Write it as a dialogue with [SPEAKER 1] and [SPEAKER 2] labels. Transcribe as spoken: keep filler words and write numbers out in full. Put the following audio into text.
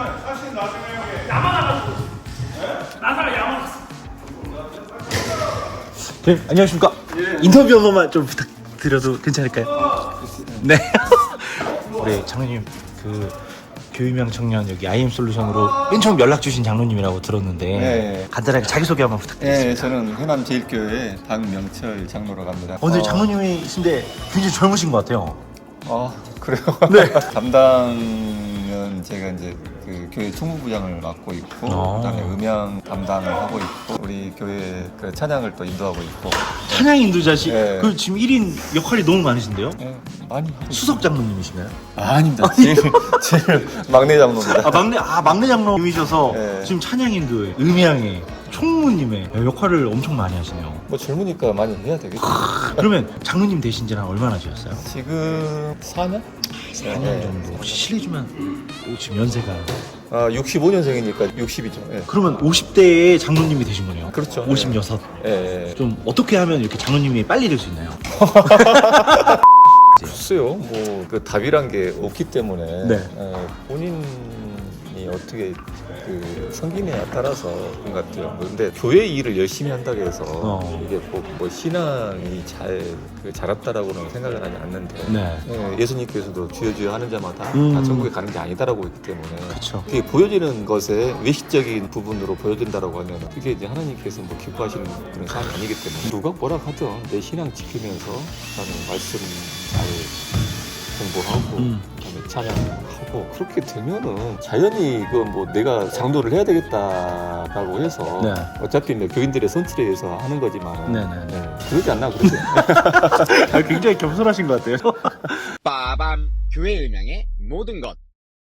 [SPEAKER 1] 사실 나중에
[SPEAKER 2] 야만하고 나사가 야만했어.
[SPEAKER 3] 네, 안녕하십니까. 예. 인터뷰 한 번만 좀 부탁드려도 괜찮을까요? 어. 네. 우리 장로님 그 교육명 청년 여기 아이엠솔루션으로 맨 처음 연락 주신 장로님이라고 들었는데
[SPEAKER 4] 네.
[SPEAKER 3] 간단하게 자기소개 한번 부탁드리겠습니다.
[SPEAKER 4] 네, 저는 해남제일교회 박명철 장로로 갑니다.
[SPEAKER 3] 오늘 어, 장로님이신데 굉장히 젊으신 것 같아요.
[SPEAKER 4] 어, 그래요?
[SPEAKER 3] 네.
[SPEAKER 4] 담당은 제가 이제 그 교회 총무부장을 맡고 있고,
[SPEAKER 3] 아.
[SPEAKER 4] 그다음에 음향 담당을 하고 있고, 우리 교회 그 찬양을 또 인도하고 있고.
[SPEAKER 3] 찬양 인도자시
[SPEAKER 4] 네.
[SPEAKER 3] 그 지금 일 인 역할이 너무 많으신데요?
[SPEAKER 4] 네, 많이 하고
[SPEAKER 3] 수석 장로님이신가요?
[SPEAKER 4] 아, 아닙니다. 제일, 제일 막내 장로입니다.
[SPEAKER 3] 아 막내 아 막내 장로님이셔서
[SPEAKER 4] 네.
[SPEAKER 3] 지금 찬양 인도에 음향에 총무님의 역할을 엄청 많이 하시네요.
[SPEAKER 4] 뭐 젊으니까 많이 해야 되겠죠.
[SPEAKER 3] 그러면 장로님 되신 지는 얼마나 되셨어요?
[SPEAKER 4] 지금 사 년?
[SPEAKER 3] 사 년 정도. 혹시 실례지만 지금 연세가
[SPEAKER 4] 아, 육십오 년생이니까 육십이죠. 예.
[SPEAKER 3] 그러면 오십 대에 장로님이 되신 거네요?
[SPEAKER 4] 그렇죠.
[SPEAKER 3] 오십육.
[SPEAKER 4] 예, 예.
[SPEAKER 3] 좀 어떻게 하면 이렇게 장로님이 빨리 될 수 있나요?
[SPEAKER 4] 글쎄요, 뭐 그 답이란 게 없기 때문에
[SPEAKER 3] 네.
[SPEAKER 4] 어, 본인이 어떻게 그 성기냐에 따라서 그런 것 같아요. 뭐 근데 교회 일을 열심히 한다고 해서
[SPEAKER 3] 어.
[SPEAKER 4] 이게 뭐, 뭐 신앙이 잘 그 자랐다라고는 생각을 하지 않는데
[SPEAKER 3] 네.
[SPEAKER 4] 예, 예수님께서도 주여 주여 하는 자마다
[SPEAKER 3] 음.
[SPEAKER 4] 다 천국에 가는 게 아니다라고 했기 때문에
[SPEAKER 3] 그렇죠.
[SPEAKER 4] 그게 보여지는 것에 외식적인 부분으로 보여진다라고 하면 그게 이제 하나님께서 뭐 기뻐하시는 그런 사안이 아니기 때문에 누가 뭐라 하든 내 신앙 지키면서 나는 말씀 잘 공부하고
[SPEAKER 3] 음.
[SPEAKER 4] 그다음에 찬양하고 그렇게 되면은 자연히 그 뭐 내가 장도를 해야 되겠다라고 해서
[SPEAKER 3] 네.
[SPEAKER 4] 어차피 뭐 교인들의 선출에 의해서 하는 거지만
[SPEAKER 3] 네네.
[SPEAKER 4] 네, 그러지 않나 그러죠.
[SPEAKER 3] 아, 굉장히 겸손하신 것 같아요.
[SPEAKER 5] 빠밤 교회 음향의 모든 것